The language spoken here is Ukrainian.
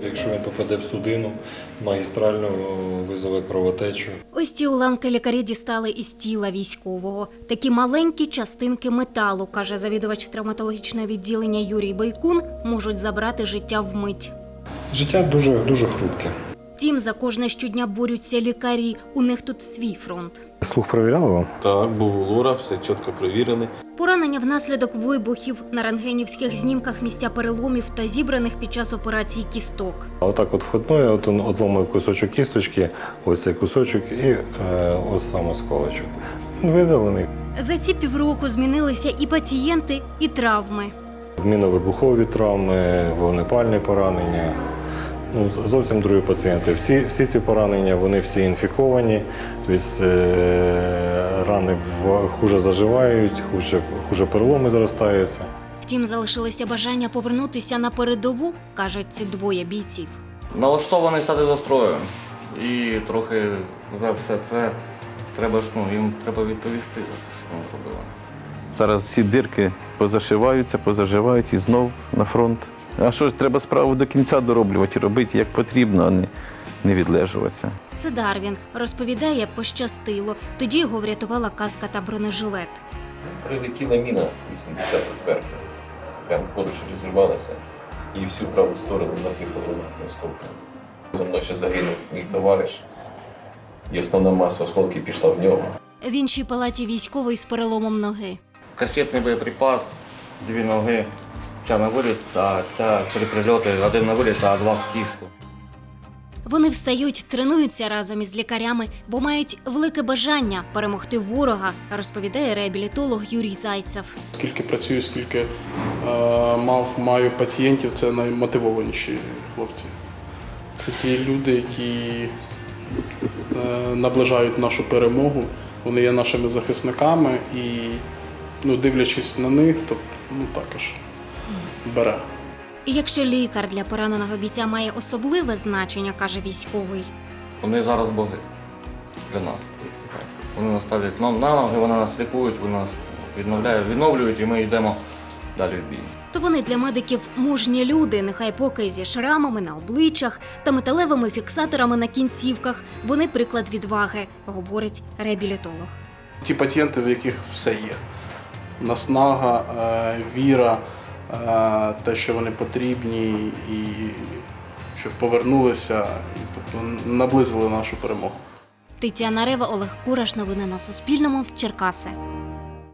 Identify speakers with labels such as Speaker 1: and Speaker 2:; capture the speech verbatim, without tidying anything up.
Speaker 1: Якщо він попаде в судину, магістрально визове кровотечу.
Speaker 2: Ось ці уламки лікарі дістали із тіла військового. Такі маленькі частинки металу, каже завідувач травматологічного відділення Юрій Бойкун, можуть забрати життя вмить.
Speaker 1: Життя дуже, дуже хрупке.
Speaker 2: Втім, за кожне щодня борються лікарі. У них тут свій фронт.
Speaker 1: Слух перевіряли вам?
Speaker 3: Так, був у лора, все чітко перевірений.
Speaker 2: Поранення внаслідок вибухів, на рентгенівських знімках місця переломів та зібраних під час операції кісток.
Speaker 1: Отак от вхитнує, от він отломив кусочок кісточки, ось цей кусочок і е, ось сам осколочок. Він видалений.
Speaker 2: За ці півроку змінилися і пацієнти, і травми.
Speaker 1: Мінно-вибухові травми, вогнепальні поранення. Ну, зовсім другі пацієнти. Всі, всі ці поранення, вони всі інфіковані, тобто е, рани в, хуже заживають, хуже, хуже переломи зростаються.
Speaker 2: Втім, залишилося бажання повернутися на передову, кажуть ці двоє бійців.
Speaker 4: Налаштований стати до строю. І трохи за все це треба ж, ну, їм треба відповісти за те, що вони зробили.
Speaker 3: Зараз всі дирки позашиваються, позаживають і знов на фронт. А що ж, треба справу до кінця дороблювати, робити як потрібно, а не, не відлежуватися.
Speaker 2: Це Дарвін. Розповідає, пощастило. Тоді його врятувала каска та бронежилет.
Speaker 5: Прилетіла міна вісімдесят зверху. Прямо поруч розірвалася і всю праву сторону напихала осколками. За мною ще загинув мій товариш, і основна маса осколків пішла в нього.
Speaker 2: В іншій палаті військовий з переломом ноги.
Speaker 4: Касетний боєприпас, дві ноги, ця на виліт, а ця три прильоти, один на виліт, а два в кістку.
Speaker 2: Вони встають, тренуються разом із лікарями, бо мають велике бажання перемогти ворога, розповідає реабілітолог Юрій Зайцев.
Speaker 6: Скільки працюю, скільки е, мав, маю пацієнтів, це наймотивованіші хлопці. Це ті люди, які е, наближають нашу перемогу, вони є нашими захисниками і, ну, дивлячись на них, то, ну, також бере.
Speaker 2: І якщо лікар для пораненого бійця має особливе значення, каже військовий.
Speaker 4: Вони зараз боги для нас. Вони нас ставлять на ноги, вони нас лікують, вони нас відновляють, відновлюють, і ми йдемо далі в бій.
Speaker 2: То вони для медиків мужні люди, нехай поки зі шрамами на обличчях та металевими фіксаторами на кінцівках. Вони приклад відваги, говорить реабілітолог.
Speaker 6: Ті пацієнти, в яких все є. Наснага, е, віра, е, те, що вони потрібні, і щоб повернулися, і, тобто наблизили нашу перемогу.
Speaker 2: Тетяна Рева, Олег Кураш. Новини на Суспільному. Черкаси.